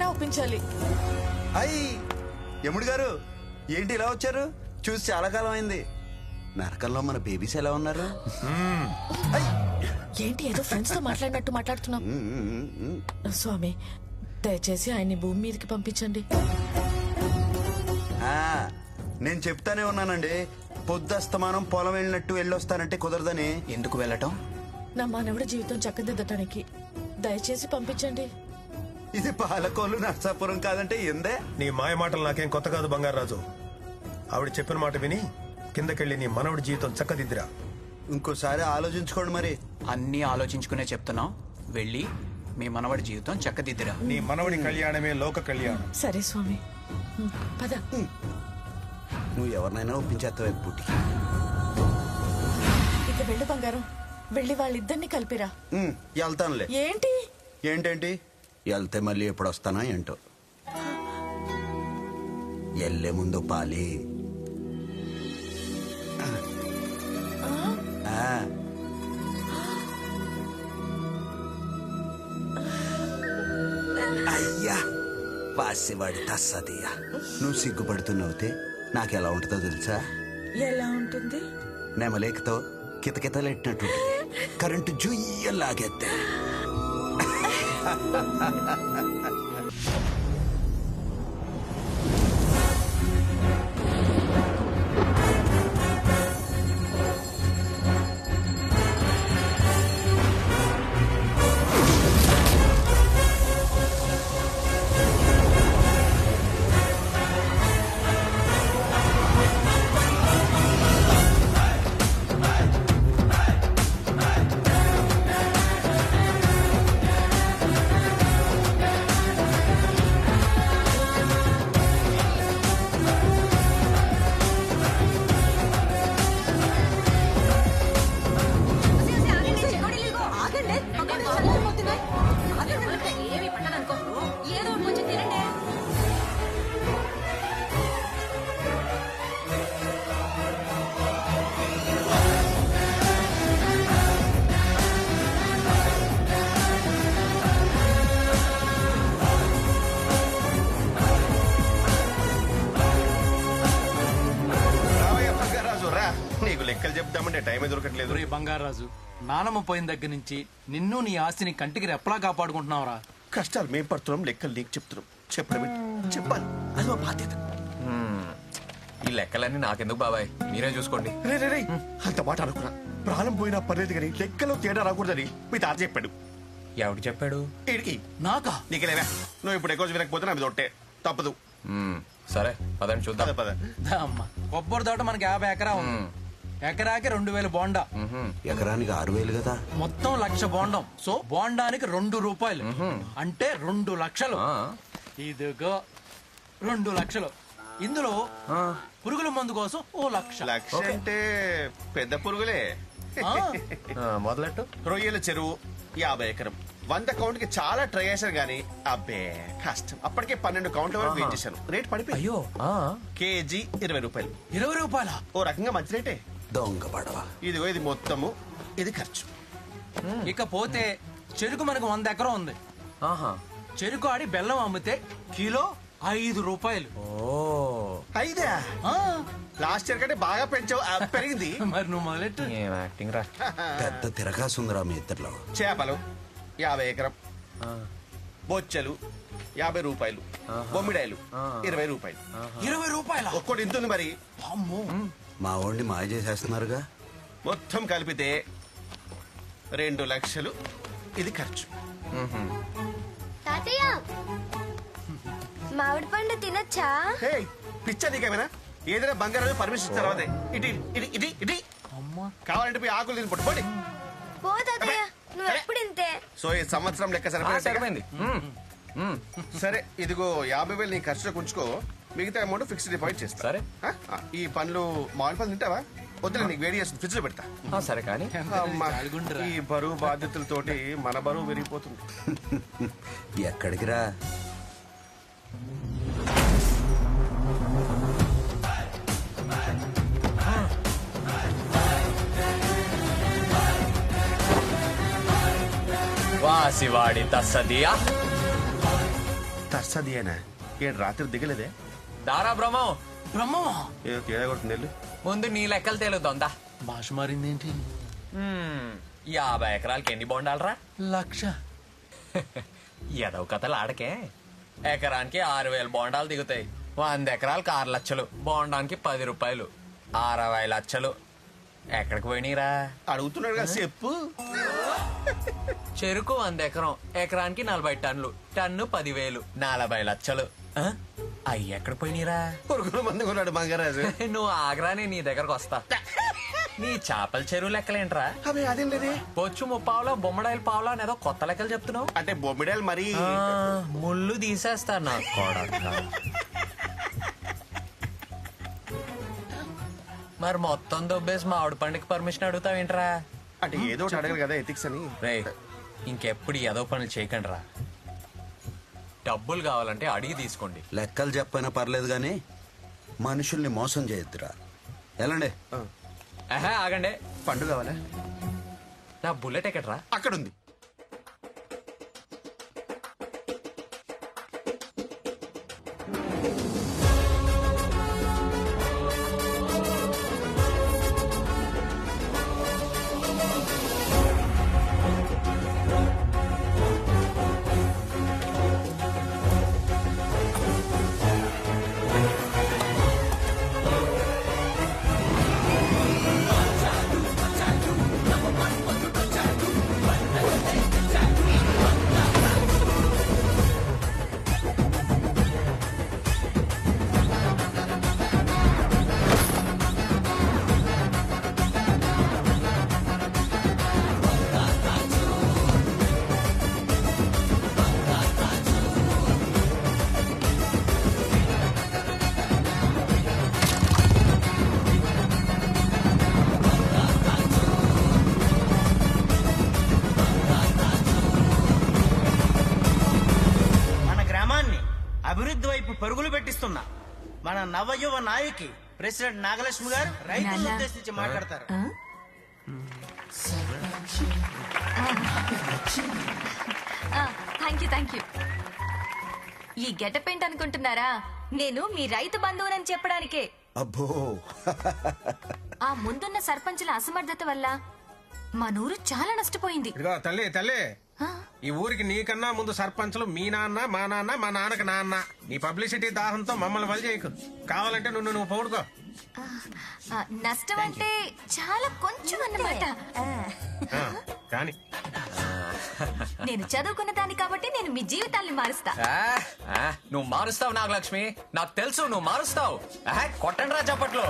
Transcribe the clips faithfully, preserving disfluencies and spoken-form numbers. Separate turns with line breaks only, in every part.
ఒప్పించాలి.
అయ్యి యముడు గారు ఏంటి ఇలా వచ్చారు? చూసి చాలా కాలం అయింది. నరకంలో మన బేబీస్ ఎలా ఉన్నారు?
ఏంటి ఏదో ఫ్రెండ్స్ తో మాట్లాడినట్టు మాట్లాడుతున్నాం? స్వామి దయచేసి ఆయన్ని భూమి మీదకి పంపించండి.
ఆ, నేను చెప్తానే ఉన్నానండి, పొద్దస్తమానం పొలం వెళ్ళినట్టు వెళ్ళొస్తానంటే కుదరదని.
ఎందుకు వెళ్ళటం?
నా మానవుడి జీవితం చక్కదిద్దటానికి దయచేసి పంపించండి.
ఇది పాలకోలు నర్సాపురం కాదంటే ఎందే.
నీ మాయ మాటలు నాకేం కొత్త కాదు బంగారాజు. ఆవిడ చెప్పిన మాట విని కిందకెళ్ళి నీ మనవడి జీవితం చక్కదిద్దిరా.
ఇంకోసారి ఆలోచించుకోండి మరి.
అన్నీ ఆలోచించుకునే చెప్తున్నావు. వెళ్ళి మీ మనవడి జీవితం చక్కదిద్దిరా.
నీ మనవడి కళ్యాణమే లోక కళ్యాణం.
సరే స్వామి పద.
నువ్వు ఎవరినైనా ఒప్పించేస్తావు పుట్టి.
ఇక వెళ్ళు బంగారం, వెళ్ళి వాళ్ళిద్దరిని కలిపిరా.
వెళ్తానులే.
ఏంటి
ఏంటేంటి వెళ్తే మళ్ళీ ఎప్పుడు వస్తానా ఏంటో. ఎల్లే ముందు పాలి. అయ్యా పాసివాడి తస్సదియా. నువ్వు సిగ్గుపడుతున్నావుతే నాకెలా ఉంటుందో తెలుసా?
ఎలా ఉంటుంది?
నెమలేకతో కితకితలెట్టినట్టు కరెంటు జుయ్య లాగేద్దే.
లెక్కలు చెప్తామంటే టైమే దొరకట్లేదు.
బంగారాజు, నానమ్మ పోయిన దగ్గర నుంచి నిన్ను నీ ఆస్తిని కంటికి రెప్పలా కాపాడుకుంటున్నావురా.
కష్టాలు మేం పడుతున్నాం, లెక్కలు నీకు చెప్తున్నాం. చెప్పడం చెప్పాలి, అది మా బాధ్యత.
ఈ లెక్కలన్నీ నాకెందుకు బాబాయ్, మీరే చూసుకోండి.
రే రే రే అంత మాట అనుకున్నా. ప్రాణం పోయినా పర్లేదు కానీ లెక్కలో తేడా రాకూడదని మీ తాత చెప్పాడు.
ఎవడు చెప్పాడు?
వీడికి.
నాకా?
నీకెలేవా, నువ్వు ఇప్పుడు ఎక్కువ వినకపోతే నాకు తొట్టే తప్పదు.
సరే పదండి చూద్దాం.
పద
అమ్మా, కొబ్బరి తోట మనకి యాభై ఎకరా ఉంది. ఎకరాకి రెండు వేలు బోండా.
ఎకరానికి ఆరు వేలు కదా.
మొత్తం లక్ష బోండం. సో బోండానికి రెండు రూపాయలు అంటే రెండు లక్షలు. ఇదిగో రెండు లక్షలు. ఇందులో పురుగుల మందు కోసం ఓ లక్ష.
లక్ష అంటే పెద్ద పురుగులే.
మొదలెట్టు.
రొయ్యల చెరువు యాభై ఎకరం. వంద కౌంట్ కి చాలా ట్రై చేశాను గానీ అబ్బే కష్టం. అప్పటికే పన్నెండు కౌంట్ల వరకు వెయిట్ చేశాను. రేట్ పడిపోయి
అయ్యో
కేజీ ఇరవై రూపాయలు.
ఇరవై రూపాయల
ఓ రకంగా మంచి రేటే.
దొంగ పడవ.
ఇదిగో ఇది మొత్తము, ఇది ఖర్చు.
ఇకపోతే చెరుకు మనకు వంద ఎకరం ఉంది. చెరుకు ఆడి బెల్లం అమ్మితే కిలో ఐదు రూపాయలు.
ఐదా? లాస్ట్ ఇయర్ కంటే బాగా పెంచావు, పెరిగింది.
మరి నువ్వు మొదలెట్టు.
యాక్టింగ్ రా.
పెద్ద తిరగాసుందిరా మీ ఇద్దరిలో.
చేపలు యాభై ఎకరం. బొచ్చలు యాభై రూపాయలు. బొమ్మిడాయలు ఇరవై రూపాయలు.
ఇరవై రూపాయల
ఒక్కటి ఇంతుంది మరి.
అమ్మో,
మా వాడిని మాయ చేసేస్తున్నారుగా.
మొత్తం కలిపితే రెండు లక్షలు. ఇది ఖర్చు.
తాతయ్య మామిడి పండు తినొచ్చా?
పిచ్చా నీకేమైనా? ఏదైనా బంగారం పర్మిషన్ తర్వాత ఇటు ఇటు ఇటు ఇటు కావాలంటే పోయి ఆకులు తిని పట్టుకోండి.
పో తాతయ్య, నువ్వు ఎప్పుడు ఇంతే.
సో ఈ సంవత్సరం లెక్క సరిపోయింది. సరే ఇదిగో యాభై వేలు నీ ఖర్చులో ఉంచుకో, మిగతా అమౌంట్ ఫిక్స్డ్ డిపాజిట్ చేస్తా.
సరే.
ఈ పండ్లు మామిడి పండ్లు తింటావా? వద్దులే, నీకు వేడి చేస్తుంది, ఫ్రిడ్జ్ లో పెడతా.
సరే కానీ
ఈ బరువు బాధ్యతలతోటి మన బరువు పెరిగిపోతుంది.
ఎక్కడికి రా?
వాసివాడి తస్సదియా.
తర్సదియేనా ఏడు రాత్రి దిగలేదే
దారా బ్రహ్మం
బ్రహ్మమా
ఏదో తేడా కొడుతుంది వెళ్ళు.
ముందు నీ లెక్కలు తేలుద్దా
భాష మారిందేంటి?
యాభై ఎకరాలకి ఎన్ని బొండాలరా?
లక్ష.
ఎదవ కథలు ఆడకే. ఎకరానికి ఆరు వేల బోండాలు దిగుతాయి. వంద ఎకరాలకు ఆరు లక్షలు, బోండానికి పది రూపాయలు, అరవై లక్షలు. ఎక్కడికి పోయినీరా?
అడుగుతున్నాడు కదా చెప్పు.
చెరుకు వంద ఎకరం, ఎకరానికి నలభై టన్నులు, టన్ను పదివేలు, నలభై లక్షలు. ఆ? అయ్యి ఎక్కడికి పోయినీరా?
పురుగుల మంది కొన్నాడు బంగారాజు.
నువ్వు ఆగ్రానే నీ దగ్గరకు వస్తా. నీ చేపల చెరువు లెక్కలేంట్రా?
అవి అదేం లేదే.
పొచ్చు ముప్పావులో బొమ్మడాయిల పావులో అనేదో కొత్త లెక్కలు చెప్తున్నావు.
అంటే బొమ్మిడాలు మరి
ఆ, ముళ్ళు తీసేస్తా నా కొడక. మరి మొత్తం దొబ్బేసి మా ఆవిడ పండుగ పర్మిషన్ అడుగుతావేంట్రా?
అంటే ఏదో ఒకటి అడగరు కదా ఎథిక్స్ అని.
రే, ఇంకెప్పుడు ఏదో పనులు చేయకండి రా. డబ్బులు కావాలంటే అడిగి తీసుకోండి.
లెక్కలు చెప్పైనా పర్లేదు కానీ మనుషుల్ని మోసం చేయొద్దురా. ఎలాండి?
ఆహా, ఆగండి.
పండు కావాలా?
నా బుల్లెట్ ఎక్కడ్రా?
అక్కడ ఉంది.
అభివృద్ధి వైపు పరుగులు పెట్టిస్తున్నా మన నవయువ నాయకి ప్రెసిడెంట్ నాగలక్ష్మి గారు రైతులను ఉద్దేశించి మాట్లాడతారు.
Thank you thank you. ఈ గెటప్ ఏంటి అనుకుంటున్నారా? నేను మీ రైతు బంధువునని చెప్పడానికే.
అబ్బో,
ఆ ముందున్న సర్పంచుల అసమర్థత వల్ల మా నూరు చాలా నష్టపోయింది.
ఇదిగో తల్లి తల్లి, ఈ ఊరికి నీకన్నా ముందు సర్పంచులు మీ నాన్న, మా నాన్న, మా నాన్నకి నాన్న. నీ పబ్లిసిటీ దాహంతో మమ్మల్ని వలి చేయకు. కావాలంటే నువ్వు నువ్వు పౌడుకో.
నష్టం అంటే చాలా కొంచెం అన్నమాట.
కానీ
నేను చదువుకున్న దాన్ని కాబట్టి నేను మీ జీవితాల్ని మారుస్తా.
నువ్వు మారుస్తావు నాగలక్ష్మి, నాకు తెలుసు నువ్వు మారుస్తావు. కొట్టండి రా చప్పట్లు.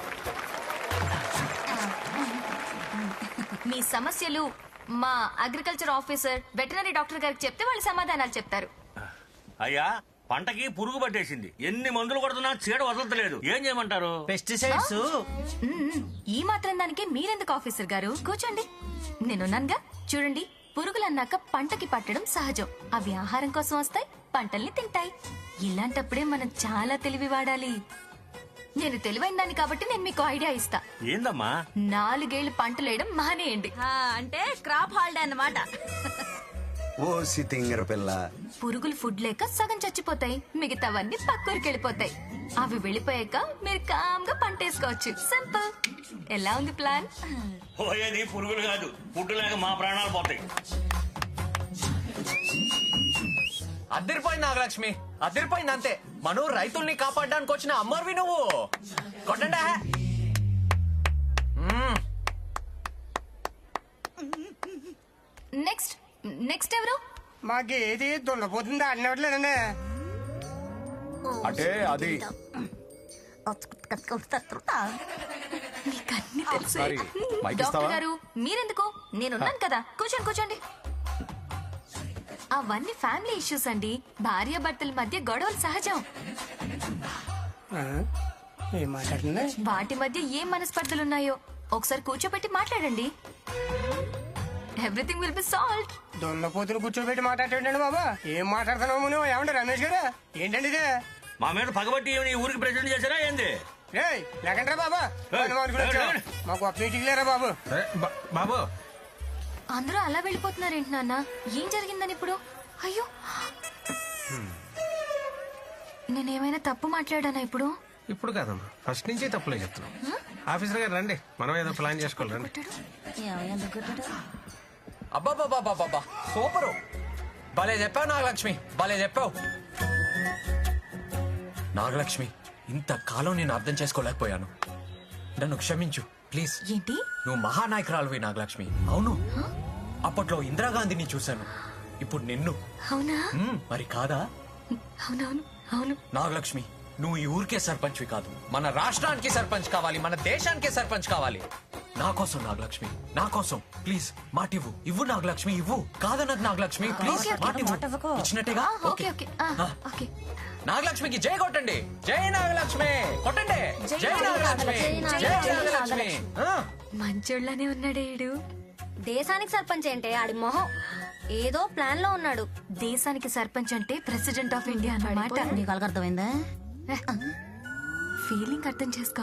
మీ సమస్యలు మా అగ్రికల్చర్ ఆఫీసర్, వెటనరీ డాక్టర్ గారికి చెప్తే వాళ్ళు సమాధానాలు చెప్తారు.
అయ్యా, పంటకి పురుగు పట్టేసింది. ఎన్ని మందులు కొడుతున్నా చీడ వదలట్లేదు. ఏం చేయమంటారు?
పెస్టిసైడ్స్.
ఈ మాత్రం దానికి మీరెందుకు ఆఫీసర్ గారు? కూర్చోండి, నేనున్నానుగా. చూడండి, పురుగులు అన్నాక పంటకి పట్టడం సహజం. అవి ఆహారం కోసం వస్తాయి, పంటల్ని తింటాయి. ఇలాంటప్పుడే మనం చాలా తెలివి వాడాలి. నేను తెలివైన దాన్ని కాబట్టి నేను మీకు ఐడియా ఇస్తా.
ఏందమ్మా?
నాలుగేళ్లు పంటలు వేయడం మానేయండి.
అంటే క్రాప్ హాలిడే అన్నమాట.
ఓ సితింగర పిల్ల,
పురుగులు ఫుడ్ లేక సగం చచ్చిపోతాయి, మిగతావన్నీ పక్కూరికి వెళ్ళిపోతాయి. అవి వెళ్ళిపోయాక మీరు కామ్గా పంట వేసుకోవచ్చు. సింపుల్. ఎలా ఉంది ప్లాన్?
పోయేది పురుగులు కాదు, ఫుడ్ లేక మా ప్రాణాలు పోతాయి.
అద్దరిపోయింది నాగలక్ష్మి, అద్దరిపోయింది అంతే. మనం రైతుల్ని కాపాడడానికి వచ్చిన అమ్మర్వి నువ్వు. కొట్టండా.
నెక్స్ట్ నెక్స్ట్ ఎవరు?
మాకేది దున్నపోతుందా అన్నట్లేదండి.
అంటే అది
మీకన్నీ తెలుసు. డాక్టర్ గారు మీరెందుకు? నేనున్నాను కదా, కూర్చోండి కూర్చోండి. అవన్నీ ఫ్యామిలీ ఇష్యూస్ అండి. భార్య భర్తల మధ్య గొడవలు సహజం. వాటి మధ్య ఏం మనస్పర్ధలున్నాయో ఒకసారి కూర్చోబెట్టి మాట్లాడండి. Everything will be solved.
దున్నపోతులు కూర్చోబెట్టి మాట్లాడేటండి బాబా. ఏం మాట్లాడుతున్నావు నువ్వు? ఏమంటే రమేష్ గారు, ఏంటండి ఇదే?
మా మీద పగబట్టి ఈ ఊరికి ప్రెసిడెంట్ చేశారా ఏంది?
లేకంటారా బాబా? మాకు మీటింగ్ లేరా బాబు? బాబు,
అందరూ అలా వెళ్ళిపోతున్నారేంటి నాన్న? ఏం జరిగిందని ఇప్పుడు? అయ్యో, నేనేమైనా తప్పు మాట్లాడానా ఇప్పుడు?
ఇప్పుడు కాదమ్మా, ఫస్ట్ నుంచి తప్పులే చెప్తున్నాం. ఆఫీసర్ గారు రండి, మనం ఏదో ప్లాన్ చేసుకోవాలి రండి.
అబ్బాబాబాబాబా సూపరు, భలే చెప్పావు నాగలక్ష్మి, భలే చెప్పావు. నాగలక్ష్మి, ఇంతకాలం నేను అర్థం చేసుకోలేకపోయాను, నన్ను క్షమించు ప్లీజ్.
ఏంటి?
నువ్వు మహానాయకురాలువి నాగలక్ష్మి. అవును, అప్పట్లో ఇందిరాగాంధీని చూశాను, ఇప్పుడు నిన్ను.
అవునా?
మ్మ్, మరి కాదా?
అవునవును అవును.
నాగలక్ష్మి, నువ్వు ఈ ఊరికే సర్పంచ్వి కాదు, మన రాష్ట్రానికి సర్పంచ్ కావాలి, మన దేశానికే సర్పంచ్ కావాలి. నా కోసం నాగలక్ష్మి, నా కోసం ప్లీజ్ మాటివ్వు. ఇవ్వు నాగలక్ష్మి, ఇవ్వు. కాదన్నది నాగలక్ష్మి, ప్లీజ్ మాటివ్వు. ఇచ్చినట్టేగా?
ఓకే ఓకే ఆ, ఓకే.
నాగలక్ష్మికి జై కొట్టండి, జై నాగలక్ష్మి కొట్టండి, జై నాగలక్ష్మి, జై నాగలక్ష్మి. ఆ.
మంచోళ్ళనే ఉన్నాడే ఈడు.
దేశానికి సర్పంచ్ ఏంటే ఆడి మొహం ఏదో ప్లాన్ లో ఉన్నాడు.
దేశానికి సర్పంచ్ అంటే ప్రెసిడెంట్ ఆఫ్ ఇండియా అన్నమాట.
నీకు అర్థమైందా?
ఫీలింగ్ అర్థం చేసుకో.